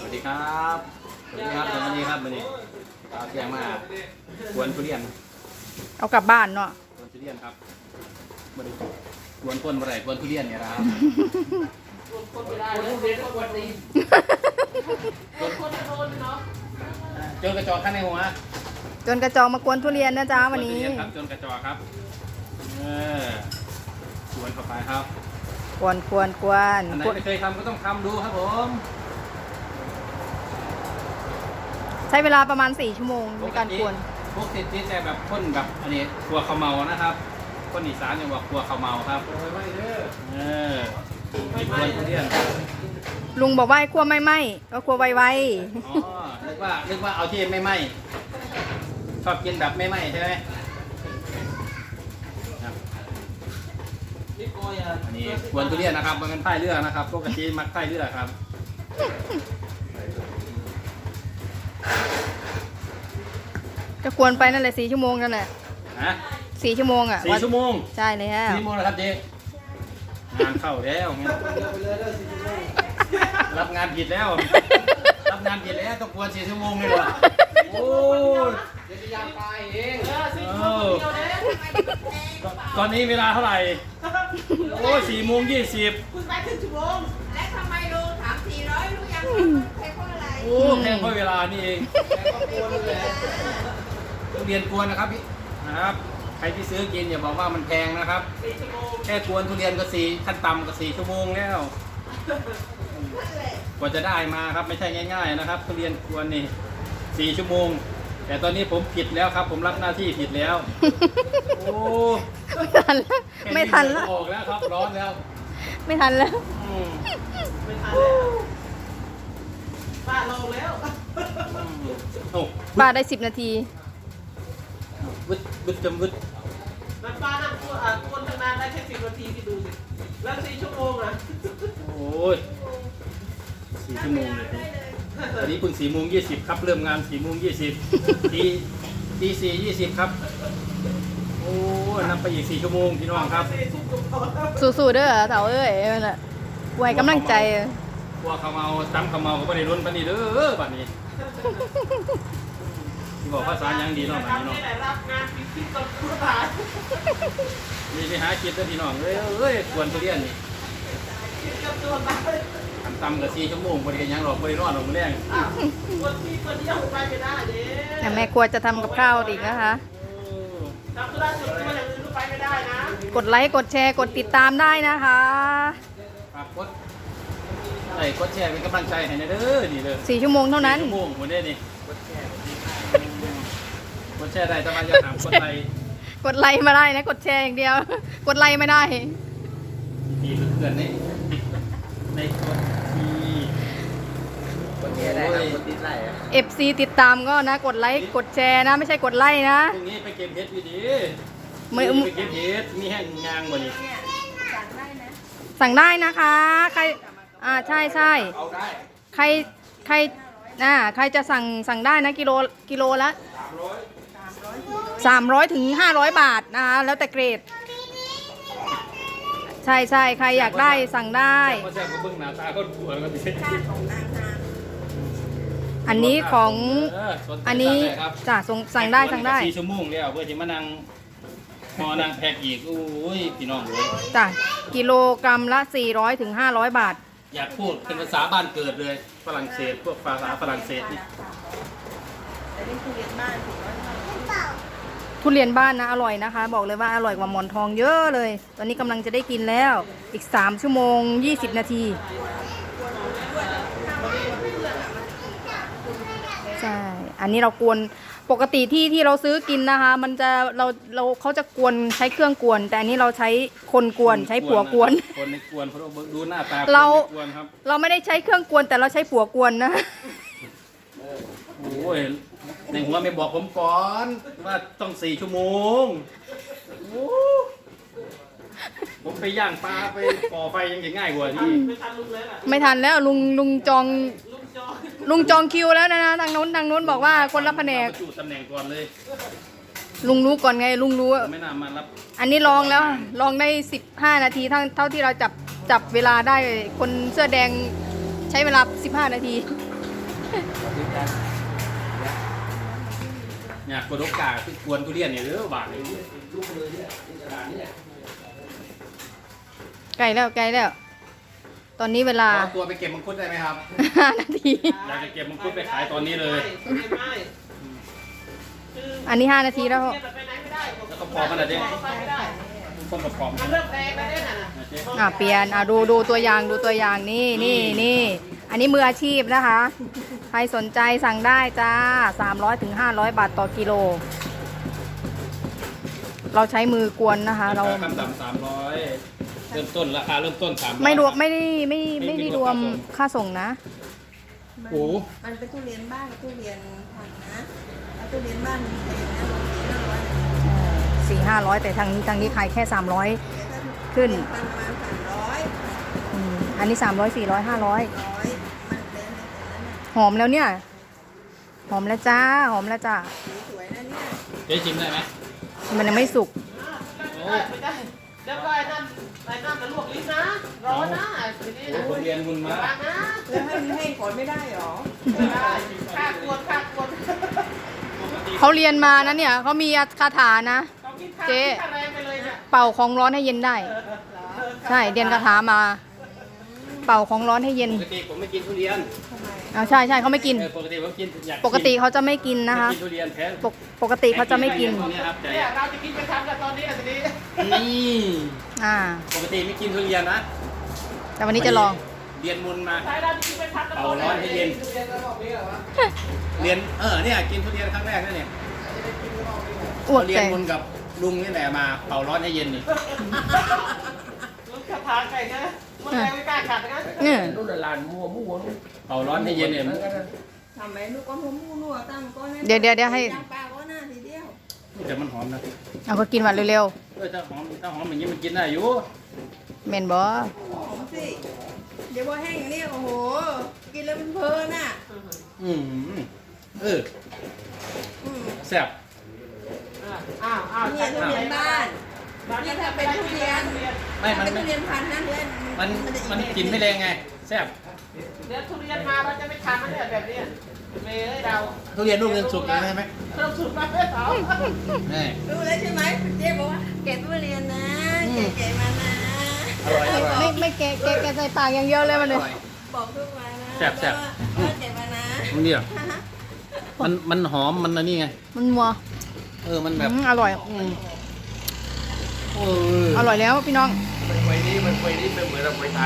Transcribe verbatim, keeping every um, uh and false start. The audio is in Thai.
วัสดีครับสวัสดีครับวันนี้ครับวันนี้เอาเสียงมากวนทุเรียนเอากลับบ้านเนาะกวนทุเรียนครับบริกวนคนบริกวนทุเรียนเนี่ยนะครับคนไม่ได้แล้วเรียนก็กวนตีคนคนโดนเนาะจนกระจอกข้างในหัวจนกระจอกมากวนทุเรียนนะจ๊ะวันนี้ครับจนกระจอกครับเออชวนเข้าไปครับกวนกวนกวนอันไหนไม่เคยทำก็ต้องทำดูครับผมใช้เวลาประมาณสี่ชั่วโมงในการกวนพวกติดติดแต่แบบคนแบบอันนี้ครัวข้าวเมานะครับคนอีสานยังบอกครัวข้าวเมาครับเออมีครัวทุเรียนลุงบอกว่าให้คั่วไม่ไหม้ก็คั่วไวๆอ๋อนึกว่านึกว่าเอาที่ไม่ไหม้ชอบกินแบบไม่ไหม้ใช่ไหมอันนี้กวนทุเรียนนะครับมันเป็นไส้เลือดนะครับปกติมักไส้เลือดครับก็กวนไปนั่นแหละสี่ชั่วโมงนั่นแหละฮะสี่ชั่วโมงอ่ะสี่ชั่วโมงใช่เลยฮะสี่ชั่วโมงแล้วครับเจ๊งานเข้าแล้วรับงานผิดแล้วรับงานผิดแล้วต้องกวนสี่ชั่วโมงเลยเหรอโอ้ยเดี๋ยวจะยามตายเองตอนนี้เวลาเท่าไหร่โอ้ยสี่โมงยี่สิบคุณไปถึงชั่วโมงและทำไมลุงถามสี่ร้อยลุงยังแพงเพราะอะไรโอ้แพงเพราะเวลานี่เองทุเรียนกวนนะครับพี่นะครับใครที่ซื้อกินอย่าบอกว่ามันแพงนะครับแค่กวนทุเรียนก็สี่ขั้นต่ำก็สี่ชั่วโมงแล้วกว่าจะได้มาครับไม่ใช่ง่ายๆนะครับทุเรียนกวนนี่สี่ชั่วโมงแต่ตอนนี้ผมผิดแล้วครับผมรับหน้าที่ผิดแล้วโอ้ไม่ทันแล้วไม่ทันแล้วออกแล้วครับร้อนแล้วไม่ทันแล้วไม่ทันแล้วป้าลงแล้วป้าได้สิบนาทีวึดวึดจำวึดแล้วป้านั่งกวนกวนทำงานได้แค่สิบนาทีที่ดูสิแล้วสี่ชั่วโมงอ่ะโอ้ยสี่ชั่วโมงเลยตอนนี้เพิ่งสี่โมงยี่สิบครับเริ่มงานสี่โมงยี่สิบตีตีสี่ยี่สิบครับโอ้นับไปอีกสี่ชั่วโมงพี่น้องครับสู้ๆเด้อเต่าเอ้ยมันอ่ะไว้กำลังใจพวกเขาเมาตั้มเขาเมาก็ไม่ได้รุนปันนี้เด้อบัดนี้ที่บอกภาษายังดีเนาะบัดนี้เนาะรับงานพิเศษกับผู้ตายนี่ไปหาคิดเด้อพี่น้องเอ้ยเอ้ยกวนทุเรียนนี่กับตัวตายทำตำกับสี่ชั่วโมงบริการยังหรอกบริรอดหรอกมื้อแรงคนที่คนเดียวไปไม่ได้เด้แต่แม่ครัวจะทำกับข้าวอีกนะคะทำธุระส่วนตัวอย่างอื่นไปไม่ได้นะกดไลค์กดแชร์กดติดตามได้นะคะฝากกดไลค์กดแชร์เป็นกำลังใจให้นะเด้อนี่เด้อสี่ชั่วโมงเท่านั้นสี่ชั่วโมงหมดได้นี่กดแชร์กดแชร์ได้แต่ว่าอย่าถามกดไลค์กดไลค์มาได้นะกดแชร์อย่างเดียวกดไลค์ไม่ได้ดีเพื่อนๆนี่ในกดทีกดแชร์ได้ครับกดติดไลค์เอฟซีติดตามก็นะกดไลค์กดแชร์นะไม่ใช่กดไลค์นะพรุ่งนี้ไปเก็บเห็ดดีดีไม่ไปเก็บเห็ดมีแห้งงางบ่นี่สั่งได้นะคะใครอ่าใช่ใช่ใครใครอ่าใครจะสั่งสั่งได้นะกิโลกิโลละสามร้อยถึงห้าร้อยบาทนะคะแล้วแต่เกรดใช่ใช่ใครอยากได้สั่งได้อันนี้ของอันนี้จ้ะสั่งได้สั่งได้สี่ชั่วโมงแล้วเพื่อที่มานั่งมอนั่งแพ็กอีกโอ้ยพี่น้องเลยจ้ะกิโลกรัมละสี่ร้อยถึงห้าร้อยบาทอยากพูดเป็นภาษาบ้านเกิดเลยฝรั่งเศสพวกภาษาฝรั่งเศสนี่ทุเรียนบ้านนะอร่อยนะคะบอกเลยว่าอร่อยกว่าหมอนทองเยอะเลยตอนนี้กำลังจะได้กินแล้วอีกสามชั่วโมงยี่สิบนาทีใช่อันนี้เรากวนปกติที่ที่เราซื้อกินนะคะมันจะเราเราเขาจะกวนใช้เครื่องกวนแต่อันนี้เราใช้คนกวนใช้ผัวกวนคนในกวนเพราะดูหน้าตาเราเราไม่ได้ใช้เครื่องกวนแต่เราใช้ผัวกวนนะโอ้ยในหัวไม่บอกผมก่อนว่าต้องสี่ชั่วโมงผมไปย่างปลาไปก่อไฟยังจะง่ายกว่าที่ไม่ทันแล้วลุงลุงจองลุงจองคิวแล้วนะทางโน้นทางโน้นบอกว่าคนรับแผนกจุดตำแหน่งก่อนเลยลุงรู้ก่อนไงลุงรู้ไม่น่ามารับอันนี้ลองแล้วลองได้สิบห้านาทีเท่าเท่าที่เราจับจับเวลาได้คนเสื้อแดงใช้เวลาสิบห้านาทีเนี่ยกดโอกาสที่กวนทุเรียนเนี่ยเด้อบาทเลยลูกเลยเนี่ยกระดาษนี่แหละใกล้แล้วใกล้แล้ว ตอนนี้เวลาเอาตัวไปเก็บมังคุดได้ไหมครับห้านาทีอยากจะเก็บมังคุดไปขายตอนนี้เลยไม่ไม่คืออันนี้ห้านาทีแล้วเนี่ยแบบไปไหนไม่ได้แล้วก็พอขนาดนี้ไปไม่ได้ต้นกระป๋อมมันเริ่มแดงแล้วเนี่ยน่ะนะเจ๊อ่ะเปลี่ยนอ่ะดูดูตัวอย่างดูตัวอย่างนี่นี่นี่อันนี้มืออาชีพนะคะ ใครสนใจสั่งได้จ้าสามร้อยถึงห้าร้อยบาทต่อกิโล เราใช้มือกวนนะคะ เราขั้นต่ำสามร้อยเริ่มต้นราคาเริ่มต้นสามร้อยไม่รวมไม่ได้ไม่ไม่ได้รวมค่าส่งนะโอ้มันเป็นทุเรียนบ้านกับทุเรียนพันธุ์นะแล้วทุเรียนบ้านมันเป็นนะลงสี่ห้าร้อยสี่ห้าร้อยแต่ทางนี้ทางนี้ขายแค่สามร้อย ขึ้นประมาณสามร้อยอันนี้สามร้อยสี่ร้อยห้าร้อยร้อยมันเป็นในแต่นั้นน่ะหอมแล้วเนี่ย หอมแล้วจ้าหอมแล้วจ้าสีสวยนะเนี่ยเจ๊ชิมได้ไหมมันยังไม่สุกไม่ได้ไม่ได้แล้วก็ไอ้นั่นไอ้นั่นมันลวกลิ้นนะร้อนนะทีนี้โอ้นะคนเรียนมุนมาฟังนะแล้วให้ให้ผลไม่ได้หรอไม่ได้ค่ากวนค่ากวนเขาเรียนมานะเนี่ยเขามีคาถานะต้องกินข้าวเจ๊กินข้าวแรงไปเลยเนี่ยเป่าของร้อนให้เย็นได้ ใช่เรียนคาถามา เป่าของร้อนให้เย็นปกติผมไม่กินทุเรียนอ่าใช่ใช่เขาไม่กินเออปกติผมกินอยากปกติเขาจะไม่กินนะคะไม่กินทุเรียนแท้ปกปกติเขาจะไม่กินตอนนี้ครับแต่เนี่ยเราจะกินไปทำกันตอนนี้อ่ะทีนี้นี่อ่าปกติไม่กินทุเรียนนะแต่วันนี้จะลองเรียนมุนมาใช่เราจะกินไปทำกันตอนเป่าร้อนให้เย็นเรียนระบบนี้เหรอวะเรียนเออเนี่ยกินทุเรียนครั้งแรกนั่นเนี่ยอ้วกเรียใจนมุนกับลุงนี่แหละมาเป่าร้อนให้เย็นนี่ลูกกระทาไก่นะมันแรงไม่กล้าขัดนะเนี่ยนู่นน่ะลานมัวมัวนู่นเป่าร้อนให้เย็นเนี่ยทำไมลูกก็หัวมูนัวตั้งก็นะเดี๋ยวเดี๋ยวเดี๋ยวให้ย่างปลาก็น่าทีเดียวแต่มันหอมนะเอาก็กินหวานเร็วเออถ้าหอมถ้าหอมอย่างนี้มันกินได้อยู่ๆเมนบอหอมสิเดี๋ยวว่าแห้งเนี่ยโอ้โหกินแล้วมันเพลินอ่ะอืมเอออืมแซ่บอ้าวอ้าวเนี่ยทุเรียนบ้านเนี่ยถ้าเป็นทุเรียนไม่ มันเป็นไม่ทุเรียนพันธุ์นะเพื่อนมันจะอีมันแบบกินไม่แรงไงแซ่บเดี๋ยวทุเรียนมาเราจะไม่ทานมันเนี่ยแบบนี้เมย์เอ้ยเราทุเรียนลูกเรียนสุกเลยใช่ไหมเริ่มสุดมาเพื่อนเขานี่รู้แล้วใช่ไหมคุณเจ๊บอกว่าเก็บทุเรียนนะเก๋ๆมานะอร่อยอร่อยไม่ไม่แกะแกะแกะใส่ปากอย่างเดียวเลยมันเลยบอกทุกวันนะแซ่บแซ่บว่าเออเก็บมานะมันเนี่ยมันมันหอมมันอันนี้ไงมันมัวเออมันแบบอืมอร่อยอืมเอออร่อยแล้วพี่น้องมันไฟนี้มันไฟนี้เป็นเหมือนเราไฟถ่าน